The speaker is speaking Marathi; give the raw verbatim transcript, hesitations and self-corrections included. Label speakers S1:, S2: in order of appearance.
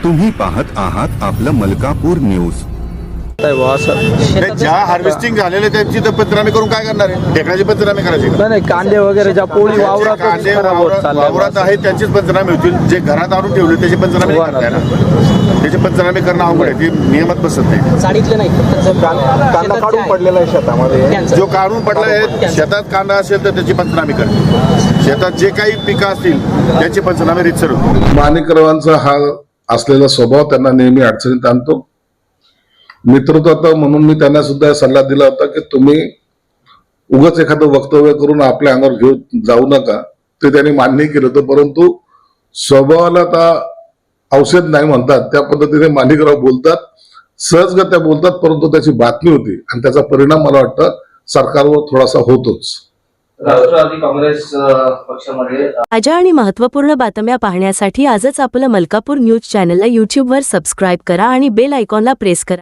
S1: तुम्ही पाहत आहात आपलं मलकापूर न्यूज।
S2: ज्या हार्वेस्टिंग झालेले त्यांची तर पंचनामे करून काय करणार आहे? ढेकळाची पंचनामे करायची का?
S3: नाही नाही, कांदे वगैरे ज्या पोळी वावरात
S2: कांदे
S3: खराब होत
S2: वावरात
S3: चालल्या.
S2: वावरात आहेत त्यांचीच पंचनामे होतील। जे घरात आणून ठेवले त्याचे पंचनामे नाही करता येणार। त्याचे पंचनामे करणं अवघड आहे, ते नियमात बसत नाही।
S4: साडीतले नाही,
S3: कांदा काढून पडलेला आहे शेतामध्ये,
S2: जो काढून पडला आहे शेतात कांदा असेल तर त्याची पंचनामे करते। शेतात जे काही पिकं असतील त्याची पंचनामे रितसर होते।
S5: माणिकरावांचा हा असलेला स्वभाव त्यांना नेहमी अडचणीत आणतो। मित्रत्व म्हणून मी त्यांना सुद्धा सल्ला दिला होता की तुम्ही उगाच एखादं वक्तव्य करून आपल्या अंगावर घेऊन जाऊ नका, ते त्यांनी मान्य केलं होतं। परंतु स्वभावाला आता औषध नाही म्हणतात त्या पद्धतीने माणिकराव बोलतात, सहजगत्या बोलतात, परंतु त्याची बातमी होती आणि त्याचा परिणाम मला वाटतं सरकारवर थोडासा होतोच।
S6: राष्ट्रवादी काँग्रेस पक्षामध्ये
S7: ताज्या आणि महत्त्वपूर्ण बातम्या पाहण्यासाठी आजच आपलं मलकापूर न्यूज चॅनलला यूट्यूबवर सबस्क्राईब करा आणि बेल आयकॉनला प्रेस करा।